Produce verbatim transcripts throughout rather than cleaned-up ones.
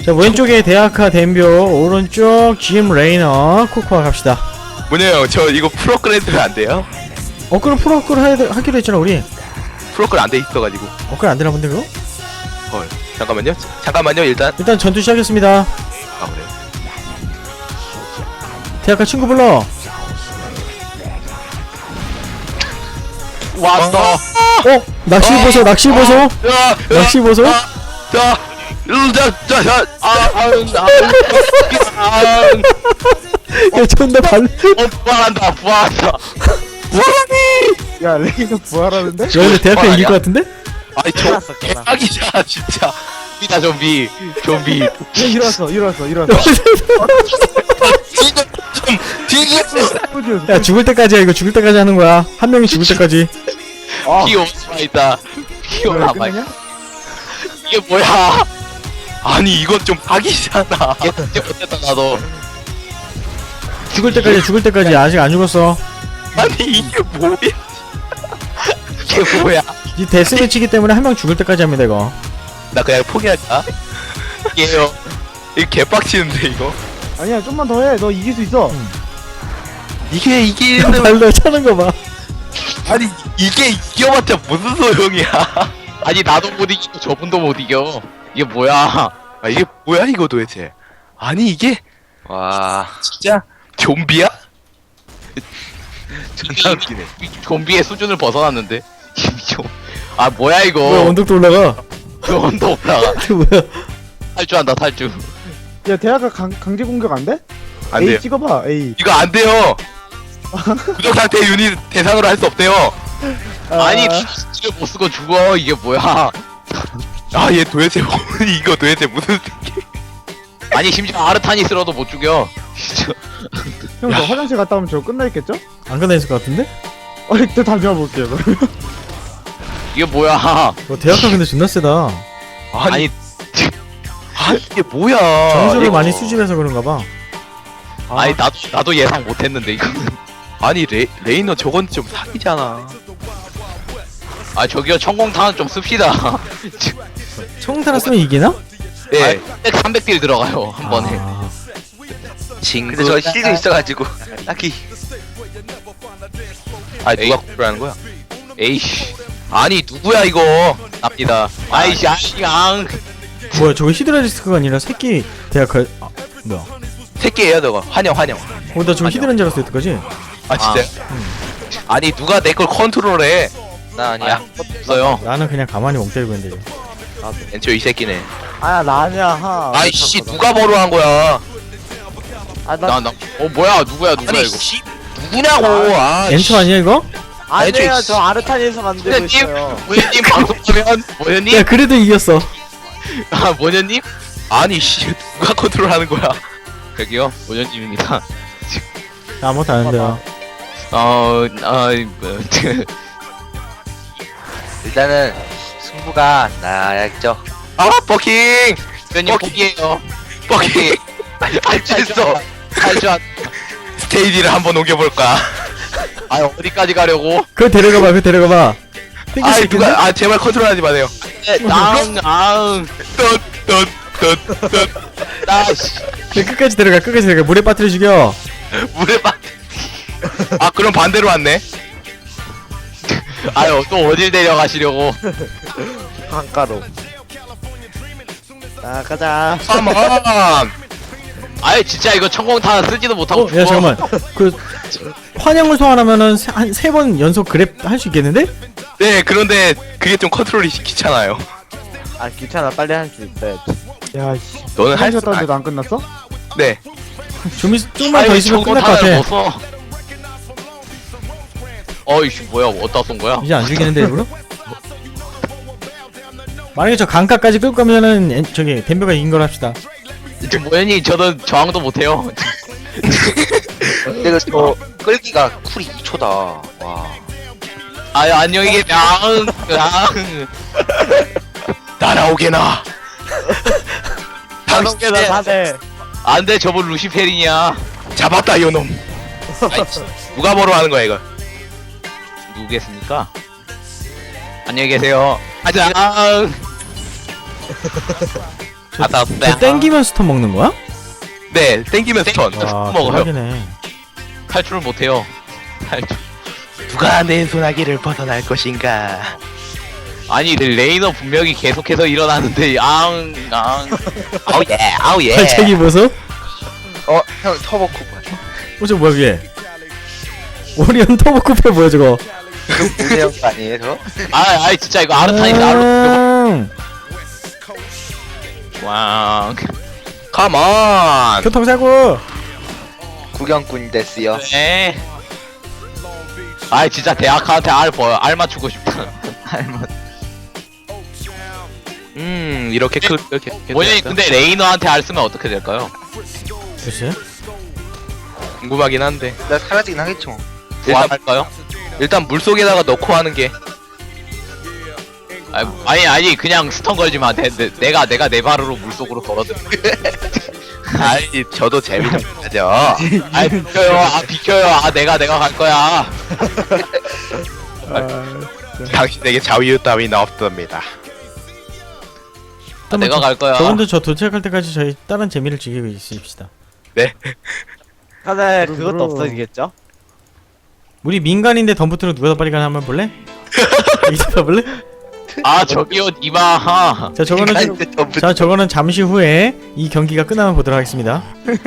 자, 왼쪽에 대학카 댐벼, 오른쪽 짐 레이너, 코코아 갑시다. 뭐냐요? 저 이거 프로그램 안 돼요? 어, 그럼 프로그램 하- 하기로 했잖아, 우리. 프로그램 안 돼 있어가지고. 어, 그럼 안 되나 본데, 그거? 헐. 잠깐만요. 자, 잠깐만요. 일단. 일단 전투 시작했습니다. 아 그래요. 대학카 친구 불러. 왔어. 어? 낚시 보소, 낚시 보소. 야, 낚시 보소. 자, 자, 자, 자, 자, 아, 아, 아, 야, 존나 발. 어, 부활한다, 부활한다. 부활하니. 야 레이너 부활하는데? 야, 근데 대학카 아니야? 이길 것 같은데? 아니 저 개빡이잖아 진짜. 좀비다 좀비, 좀비. 야 일어났어 일어났어 일어났어 지금 좀 뒤에 야, 죽을 때까지야, 이거 죽을 때까지 하는 거야. 한 명이 죽을 때까지. 아 피 오스마 있다. 피 왜 오스마. 끝나냐? 이게 뭐야? 아니 이건 좀 사기잖아. 이게 진짜 못했다 나도. 죽을 때까지, 죽을 때까지. 아직 안 죽었어. 아니 이게 뭐야? 이게 뭐야? 이 데스매치기 때문에 한 명 죽을 때까지 합니다, 이거. 나 그냥 포기할까? 이게요. 이거 개빡치는데 이거. 아니야 좀만 더 해 너 이길 수 있어 이게 야, 이기는 발로 차는 거 봐. 아니 이게 이겨봤자 무슨 소용이야? 아니 나도 못 이기고 저분도 못 이겨. 이게 뭐야? 아 이게 뭐야 이거 도대체? 아니 이게 와 진짜 좀비야? 존나 웃기네. 좀비의 수준을 벗어났는데. 아 뭐야 이거? 뭐야, 언덕도 올라가. 그 언더 올라가. 그 뭐야. 탈주한다 탈주. 야 대학가 강, 강제 공격 안 돼? 안 A 돼요. 찍어봐 A 이거 안 돼요. 부적 상태 유닛 대상으로 할 수 없대요. 아, 아니 스킬을 못 쓰고 죽어. 이게 뭐야? 아 얘 도대체 뭐, 이거 도대체 무슨 새끼? 아니 심지어 아르타니스로도 못 죽여. 진짜. 형 너 화장실 갔다 오면 저거 끝나 있겠죠? 안 끝나 있을 것 같은데? 어 일단 다녀와 볼게요 그러면 이게 뭐야? 와, 대학카 근데 존나 세다. 아니, 아 이게 뭐야? 점수를 이거- 많이 수집해서 그런가 봐. 아니 나도 나도 예상 못했는데 이거. 아니 레 레이너 저건 좀 사기잖아. 아 저기요 천공탄은 좀 씁시다. 청타라 쓰면 이기나? 네. 삼백 딜 들어가요 한 번에. 아, 친구. 근데 저 실드 있어가지고 딱히 아 누가 구라는 거야? 에이씨. 아니 누구야 이거? 납니다. 아이씨 아이씨 앙. 뭐야, 저거 히드라디스크가 아니라 새끼 대학카. 아, 뭐야. 새끼예요 저거. 환영 환영. 어, 나 저거 히드라인 줄 알았어, 여태까지. 아 진짜? 아니 누가 내 걸 컨트롤해? 나 아니야. 없어요. 나는 그냥 가만히 멍 때리고 있는데. 엔초 이 새끼네. 아야 나 아니야 하 아이씨 누가 버로한 거야? 아나 나 나. 어 뭐야 누구야 누구야 아니 이거? 씨. 누구냐고. 아. 엔초 아니야, 이거? 아니에요 애초에- 저 아르타니에서 만들고 모녀님 있어요 모녀님 방송하면 모녀님. 야, 그래도 이겼어. 아 모녀님? 아니 씨 누가 컨트롤하는 거야? 여기요 모녀님입니다. 야, 아무것도 안 한대요. 어, 어, 뭐, 일단은 승부가 나야겠죠. 아, 버킹! 면님 포기. 포기해요. 버킹! 알겠어. 탈주한. 스테이지를 한번 옮겨볼까? 아 어디까지 가려고? 그거 데려가봐, 그거 데려가봐. 땡길 수 아, 있겠네? 누가, 아, 제발 컨트롤하지 마세요. 앙앙. 똚, 똚, 똚, 똚. 나씨. 야, 끝까지 데려가, 끝까지 데려가. 물에 빠뜨려 죽여. 물에 빠. 아, 그럼 반대로 왔네. 아유 또 어딜 데려가시려고? 강가로 자 가자 컴온! 아유 진짜 이거 천공탄 쓰지도 못하고 어, 죽어. 야, 잠깐만. 그, 환영을 소환하면은 한 세 번 연속 그랩 할 수 있겠는데? 네, 그런데 그게 좀 컨트롤이 귀찮아요. 아 귀찮아 빨리 할 수 있어야지 야씨 너는 할 화장실 수, 갔다 아, 왔는데도 안 끝났어? 네. 좀, 있, 좀만 더 있으면 끝날 것 천공탄을 같아. 못 써. 어이씨 뭐야 어디다 쏜 거야? 이제 안 죽이는데, 일부러? 만약에 저 강가까지 끌고 가면은, 엔- 저기, 댐벼가 이긴 걸 합시다. 지금 모현이 저는 저항도 못해요. 근데 그저 끌기가 쿨이 이 초다. 와. 아유 안녕히 계세요. 앙, 앙. 날아오게나. 다섯개나 사대 안돼 저분 루시페린이야. 잡았다, 이놈. 누가 버로 하는 거야, 이거? 누구겠습니까? 안녕히 계세요. 가자. 앙. 아다 저 땡기면 스턴 먹는 거야? 네, 땡기면 스턴. 와 먹어요. 대박이네. 탈출을 못해요. 탈출. 누가 내 소나기를 벗어날 것인가? 아니 레이너 분명히 계속해서 일어나는데 앙 앙. 아우 예, 아우 예. 발차기 보소? 어, 형 터보 쿠폰. 어 저거 뭐야 그게? 오리온 터보 쿠페 뭐야 저거? 무대형 아니에요, 저? 아, 아이 진짜 이거 아르타니스 아르. 음, 왕. 컴온. 교통사고. 구경꾼 됐어요. 네. 아이 진짜 대학한테 알 보여. 알 맞추고 싶다. 음, 이렇게 크 이렇게. 원현이 근데 레이너한테 알 쓰면 어떻게 될까요? 글쎄. 궁금하긴 한데. 나 사라지긴 하겠지 뭐. 일단 할까요? 일단 물 속에다가 넣고 하는 게. 아니 아니, 아니 그냥 스턴 걸지 마. 내, 내, 내가 내가 내 발으로 물 속으로 걸어들. 아이, 저도 재미 좀 가져. 아 비켜요. 아 비켜요. 아 내가 내가 갈 거야. 당신에게 자유 따위는 없습니다. 아, 내가 갈 거야. 저분들 저 도착할 때까지 저희 다른 재미를 즐기고 있읍시다. 네. 다들 그것도 없어지겠죠? 우리 민간인데 덤프트럭 누가 더 빨리 가나 한번 볼래? 여기서 봐볼래? 아 저기요 이마하. 자 저거는 좀- 자 저거는 잠시 후에 이 경기가 끝나면 보도록 하겠습니다.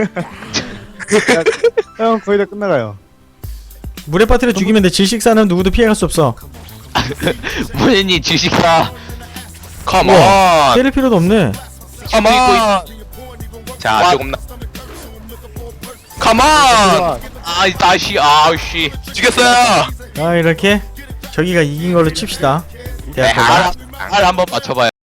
형 거의 다 끝나가요. 물에 빠뜨려 죽이면 돼. 질식사는 누구도 피해갈 수 없어. 원현이 주식사. 컴온. 때릴 필요도 없네. 컴온. 자, 와. 조금 나. 컴온. 아이 다시 아우씨. 죽였어요. 아 이렇게 저기가 이긴 걸로 칩시다. 네, 대학교가. 아, 알 한번 맞춰봐요.